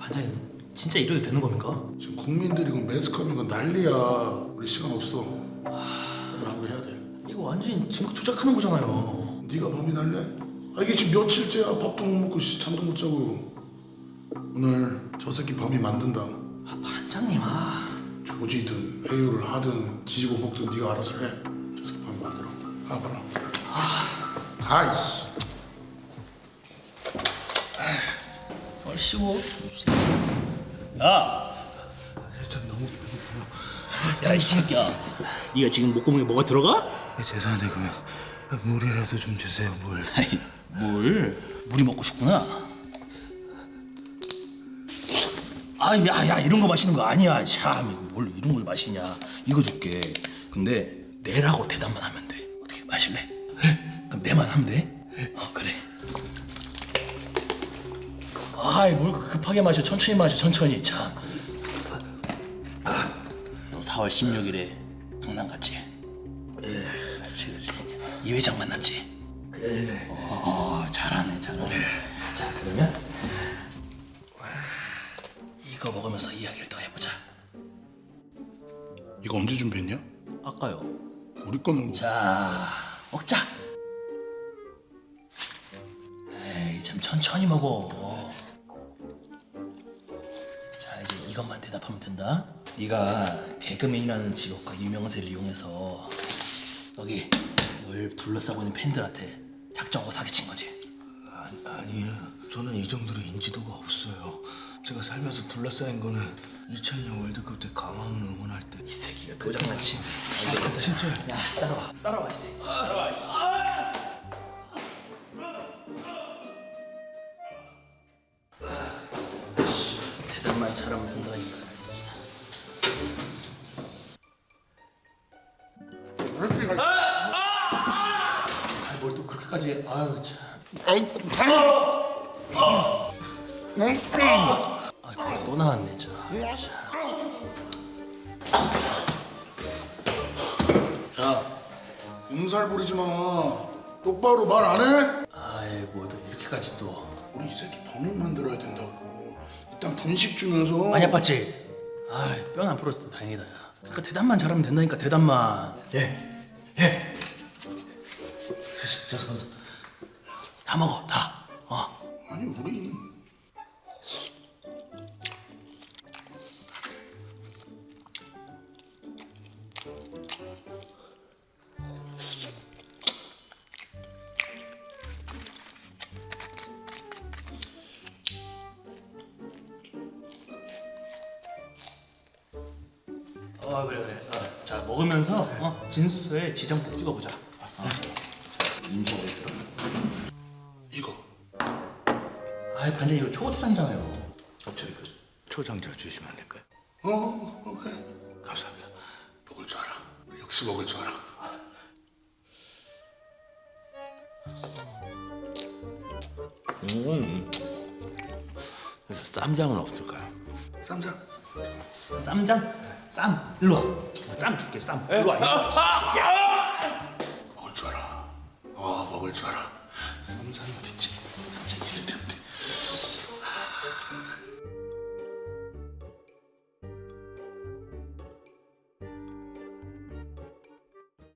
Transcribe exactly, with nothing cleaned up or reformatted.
반장님 진짜 이래도 되는 겁니까? 지금 국민들이 그 매스컴인 건 난리야. 우리 시간 없어. 빨리 하고 해야 돼. 이거 완전히 증거 조작하는 거잖아요. 네가 범인 할래? 아 이게 지금 며칠째야. 밥도 못 먹고 씨, 잠도 못 자고. 오늘 저 새끼 범인 만든다. 아, 반장님 아 조지든 회유를 하든 지지고 볶든 네가 알아서 해. 저 새끼 범인 만들어. 가 빨리. 아, 가이씨. 얼씨구. 야, 진짜 너무 배고파요. 야 이 새끼야. 네가 지금 목구멍에 뭐가 들어가? 예, 죄송한데 그러면 물이라도 좀 주세요. 물. 아이, 물? 물이 먹고 싶구나. 아, 야, 야, 이런 거 마시는 거 아니야. 참, 이거 뭘 이런 걸 마시냐. 이거 줄게. 근데 내라고 대답만 하면 돼. 어떻게 마실래? 에? 그럼 내만 하면 돼? 어, 그래. 아이, 뭘 급하게 마셔. 천천히 마셔. 천천히. 참. 너 사월 십육일에 강남 갔지? 예. 그렇지, 그렇지. 이 회장 만났지? 예. 어, 잘하네, 잘하네. 자, 그러면 이거 먹으면서 이야기를 더 해보자. 이거 언제 준비했냐? 아까요. 우리 거는 자, 먹자. 에이, 참 천천히 먹어. 자, 이제 이것만 대답하면 된다. 네가 개그맨이라는 직업과 유명세를 이용해서 여기 널 둘러싸고 있는 팬들한테 작정하고 사기친 거지. 아, 아니에요. 저는 이 정도로 인지도가 없어요. 제가 살면서 둘러싸인 거는 이천이 년 월드컵 때 강화문 응원할 때. 이 새끼가 도장난치. 아, 진짜요? 야, 따라와. 따라와, 이 새끼. 따라와, 이 새끼. 대답만 잘하면 된다니까. 아, 뭘 또 그렇게까지? 아유 참. 아, 벌 또 나왔네 저. 야, 음살 부리지 마. 똑바로 말 안 해? 아이 뭐또 이렇게까지 또. 우리 이 새끼 범인 만들어야 된다고. 일단 분식 주면서. 많이 아팠지? 아이 뼈는 안 부러졌다 다행이다. 야. 그러니까 대답만 잘하면 된다니까 대답만. 예, 예. 죄송합니다. 다 먹어 다. 어. 아니 우리 어 그래 그래. 어, 자 먹으면서 어, 진수서에 지정부터 찍어보자. 어. 인지도 들어. 이거 아이 반장 이거 초고추장이잖아요. 어, 저희 그 초장자 주시면 안 될까요? 어, 어, 어 그래. 감사합니다. 먹을 줄 알아. 역시 먹을 줄 알아. 음. 그래서 쌈장은 없을까요? 쌈장. 쌈장? 쌈 일로 와. 쌈 줄게 쌈. 일로 와. 일로 와. 먹을 줄 알아. 어 먹을 줄 알아. 쌈장이 어딨지? 쌈장 있을 텐데.